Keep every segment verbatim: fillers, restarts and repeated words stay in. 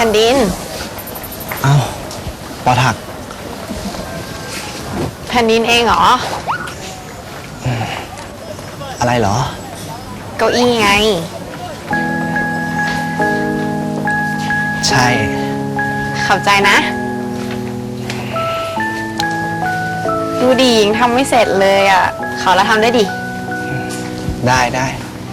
ผ่นดินเอ้าปอถักแผ่นดินเองเหรออะไรเหรอเก้าอี้ไงใช่ขอบใจนะดูดียังทำไม่เสร็จเลยอ่ะเขาแล้วทำได้ดิได้ได้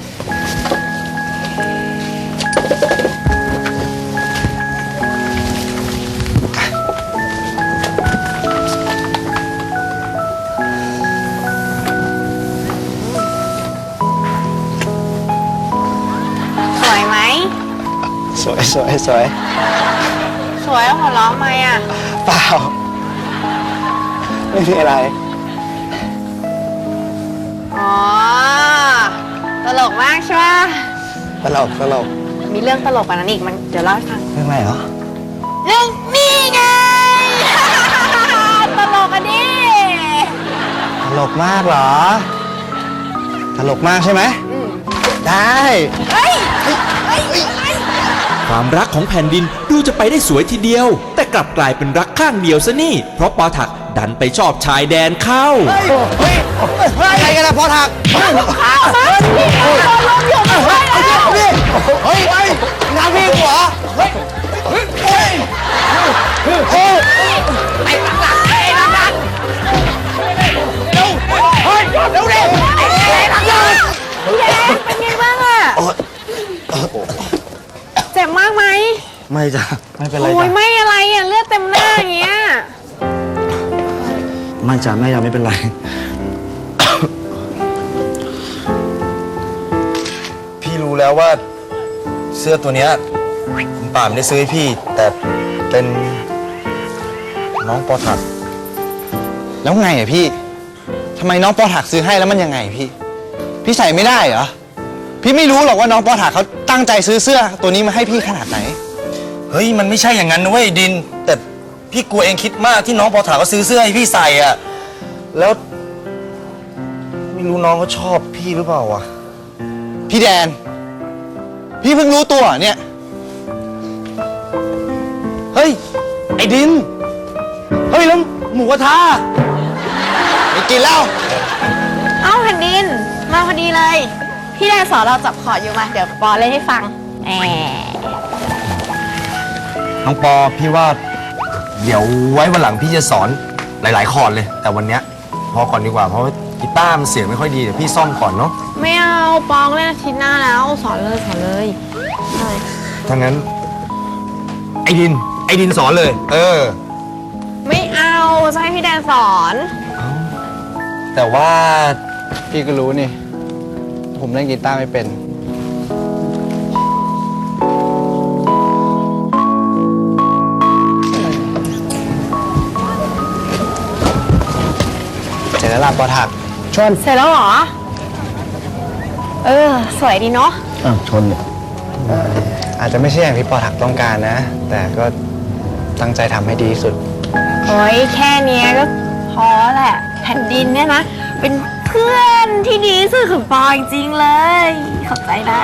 สวยไหมสวยสวยสวยสวยหัวเราะไหมอ่ะเปล่าไม่มีอะไรอ๋อตลกมากใช่ไหมตลกตลกมีเรื่องตลกกว่านั้นอีกมันเดี๋ยวเล่าให้ฟังเรื่องอะไรเหรอเรื่องนี่ไง ตลกอ่ะดิตลกมากเหรอตลกมากใช่ไหมได้เฮ้ยเฮ้ยความรักของแผ่นดินดูจะไปได้สวยทีเดียวแต่กลับกลายเป็นรักข้างเดียวซะนี่เพราะปอถักดันไปชอบชายแดนเข้าเฮ้ยอะไรกันนะปอถักข้าวมาพี่โดนลมอยู่ไม่ได้แล้วเฮ้ยเฮ้ยน้ำพี่หัวเฮ้ยเฮ้ยเฮ้ยเฮ้ยไปหลังหลังไปหลังหลังเร็วเฮ้ยเร็วเร็วไปหลังหลังพี่แดงเป็นไงบ้างอ่ะเจ็บมากไหมไม่จ้ะไม่เป็นไรโอ้ยไม่อะไรอ่ะเลือดเต็มหน้าอย่างเงี้ยไม่จ้ะแม่ยังไม่เป็นไรพี่รู้แล้วว่าเสื้อตัวเนี้ยคุณป่าไม่ได้ซื้อให้พี่แต่เป็นน้องปอถักแล้วไงอ่ะพี่ทำไมน้องปอถักซื้อให้แล้วมันยังไงพี่พี่ใส่ไม่ได้เหรอพี่ไม่รู้หรอกว่าน้องปอถักเขาตั้งใจซื้อเสื้อตัวนี้มาให้พี่ขนาดไหนเฮ้ยมันไม่ใช่อย่างนั้นนะเว้ยดินแต่พี่กลัวเองคิดมากที่น้องปอถักเขาซื้อเสื้อให้พี่ใส่อ่ะแล้วไม่รู้น้องเขาชอบพี่หรือเปล่าวะพี่แดนพี่เพิ่งรู้ตัวเนี่ยเฮ้ยไอ้ดินเฮ้ยแล้วหมูกระทะไม่กินแล้วเอ้าแผ่นดินมาพอดีเลยพี่แดนสอนเราจับคอร์ดอยู่มาเดี๋ยวปอเล่นให้ฟังแหมน้องปอพี่ว่าเดี๋ยวไว้วันหลังพี่จะสอนหลายๆคอร์ดเลยแต่วันเนี้ยพอก่อนดีกว่าเพราะว่ากีตาร์มันเสียงไม่ค่อยดีเดี๋ยวพี่ซ่อมก่อนเนาะไม่เอาปองเล่นอาทิตย์หน้าแล้วสอนเลยสอนเลยถ้างั้นไอ้ดินไอ้ดินสอนเลยเออไม่เอาจะให้พี่แดนสอนแต่ว่าพี่ก็รู้นี่ผมเล่นกีตาร์ไม่เป็นเสร็จแล้วล่ะปอถักชนเสร็จแล้วเหรอเออสวยดีเนาะอ่ะชนเนี่ยอาจจะไม่ใช่อย่างที่ปอถักต้องการนะแต่ก็ตั้งใจทำให้ดีที่สุดโอ้ยแค่นี้ก็พอแหละแผ่นดินเนี่ยนะเป็นเพื่อนที่ดีที่สุดของปอจริงๆเลยขอบใจนะ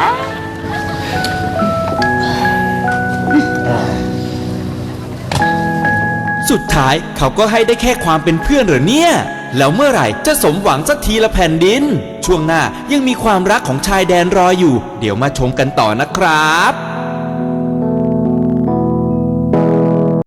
สุดท้ายเขาก็ให้ได้แค่ความเป็นเพื่อนเหรอเนี่ยแล้วเมื่อไหร่จะสมหวังสักทีละแผ่นดินช่วงหน้ายังมีความรักของชายแดนรออยู่เดี๋ยวมาชมกันต่อนะครับ